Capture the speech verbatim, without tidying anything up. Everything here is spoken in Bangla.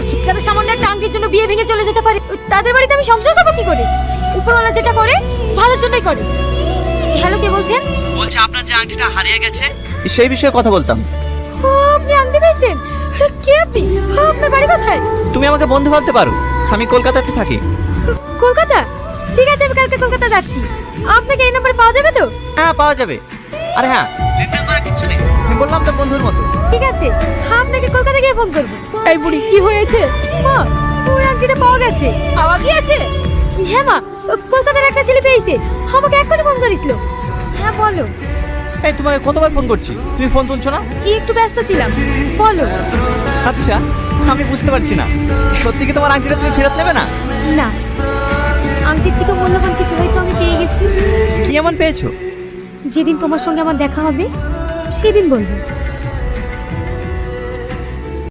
যারা সামান্য একটা আংটির জন্য বিয়ে ভেঙে চলে যেতে পারে তাদের বাড়িতে আমি সংসার করবো কি করে? উপরওয়ালা যেটা করে ভালোর জন্যই করে। হ্যালো, কে বলছেন? বলছে আপনার যে আংটিটা হারিয়ে গেছে সেই বিষয়ে কথা বলতাম। ও, আপনি আংটি পেয়েছেন? কে আপনি? আপনার বাড়ি কোথায়? তুমি আমাকে বন্ধু ভাবতে পারো, আমি কলকাতাতে থাকি। কলকাতা? ঠিক আছে, আমি কালকে কলকাতা যাচ্ছি। আপনাকে এই নাম্বারে পাওয়া যাবে তো? হ্যাঁ, পাওয়া যাবে। আরে হ্যাঁ, রিটার্ন করার কিছু নেই, আমি বললাম তো বন্ধুর মতো। ঠিক আছে, আপনাকে কলকাতা গিয়ে ফোন করবো। এই বুড়ি, কি হয়েছে মা? ওর আংটিটা পাওয়া গেছে। পাওয়া গিয়েছে? হ্যাঁ মা, ও কলকাতার একটা ছেলে পেয়েছে, আমাকে এখনই ফোন করেছিল। হ্যাঁ বলো। এই তোমাকে কতবার ফোন করছি, তুমি ফোন তুলছো না? কি একটু ব্যস্ত ছিলাম, বলো। আচ্ছা, আমি বুঝতে পারছি না, সত্যি কি তোমার আংটিটা তুমি ফেরত নেবে না? না, আংটির থেকে মূল্যবান কিছু হয়তো আমি পেয়ে গেছি। কি এমন পেয়েছো? যেদিন তোমার সঙ্গে আমার দেখা হবে সেদিন বলবো।